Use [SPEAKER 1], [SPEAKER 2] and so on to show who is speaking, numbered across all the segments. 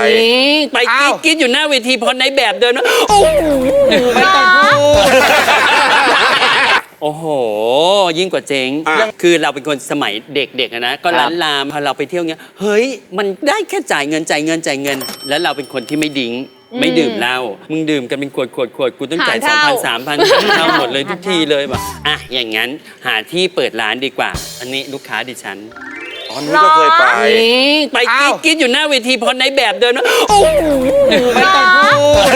[SPEAKER 1] ไปกรี๊ดอยู่หน้าเวทีพอในแบบเดินมาโอ้ไม่ต้องพูดโอ้โหยิ่งกว่าเจ๊งคือเราเป็นคนสมัยเด็กๆนะก็ร้านลามพอเราไปเที่ยวเงี้ยเฮ้ยมันได้แค่จ่ายเงินแล้วเราเป็นคนที่ไม่ดิ้งไม่ดื่มเหล้ามึงดื่มกันเป็นขวดกูต้องจ่าย 2,000 3,000 เท่าหมดเลยทุกทีเลยแบบอย่างงั้นหาที่เปิดร้านดีกว่าอันนี้ลูกค้าดิฉัน
[SPEAKER 2] อ๋อนุ้ยก็เคยไป
[SPEAKER 1] กรี๊ดอยู่หน้าเวทีพอในแบบเดินมาโอ้ไม่ต้องพูด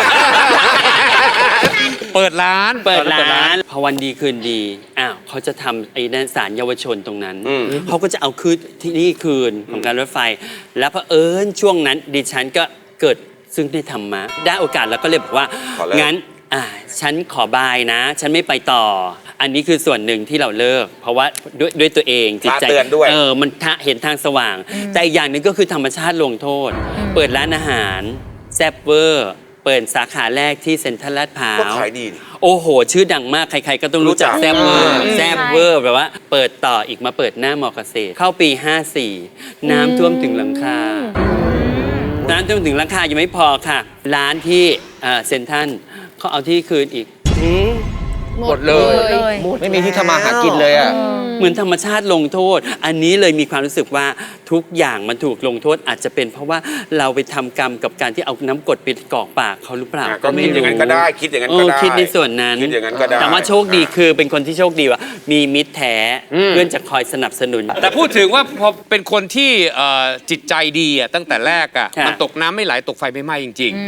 [SPEAKER 3] เปิดร้าน
[SPEAKER 1] พอวันดีคืนดีเขาจะทำไอ้นั่นศาลเยาวชนตรงนั้นเขาก็จะเอาคืนที่นี่คืนของการรถไฟแล้วเผอิญช่วงนั้นดิฉันก็เกิดซึ่งได้ธรรมะได้โอกาสแล้วก็เลยบอกว่างั้นฉันขอบายนะฉันไม่ไปต่ออันนี้คือส่วนหนึ่งที่เราเลิกเพราะว่าด้วยตัวเองจิตใจมันเห็นทางสว่างแต่อีกอย่างหนึ่งก็คือธรรมชาติลงโทษเปิดร้านอาหารแซ่บเวอร์เปิดสาขาแรกที่เซ็นทรัลลาดพร้าว
[SPEAKER 2] ก็ขายดี
[SPEAKER 1] โอ้โหชื่อดังมากใครๆก็ต้องรู้จักแซ่บเวอร์แบบว่าเปิดต่ออีกมาเปิดหน้ามอเกษตรเข้าปี 54น้ำท่วมถึงหลังคาน้ำท่วมถึงหลังคายังไม่พอค่ะร้านที่เซ็นทรัลเขาเอาที่คืนอีก
[SPEAKER 3] หมดเลยไม่มีที่ทำมาหากินเลยอ่ะ
[SPEAKER 1] เหมือนธรรมชาติลงโทษอันนี้เลยมีความรู้สึกว่าทุกอย่างมันถูกลงโทษอาจจะเป็นเพราะว่าเราไปทำกรรมกับการที่เอาน้ำกรดไปกรอกปากเขาหรือเปล่า
[SPEAKER 2] ก็ไม่อย่างนั้นก็ได้คิดอย่างนั้นก็ได้
[SPEAKER 1] คิดในส่วนนั้น
[SPEAKER 2] คิดอย่างนั้นก็ได้
[SPEAKER 1] แต่ว่าโชคดีคือเป็นคนที่โชคดีว่ามีมิตรแท้เพื่อนจะคอยสนับสนุน
[SPEAKER 3] แต่พูดถึงว่าพอเป็นคนที่จิตใจดีตั้งแต่แรกมันตกน้ำไม่ไหลตกไฟไม่ไหม้จริงๆ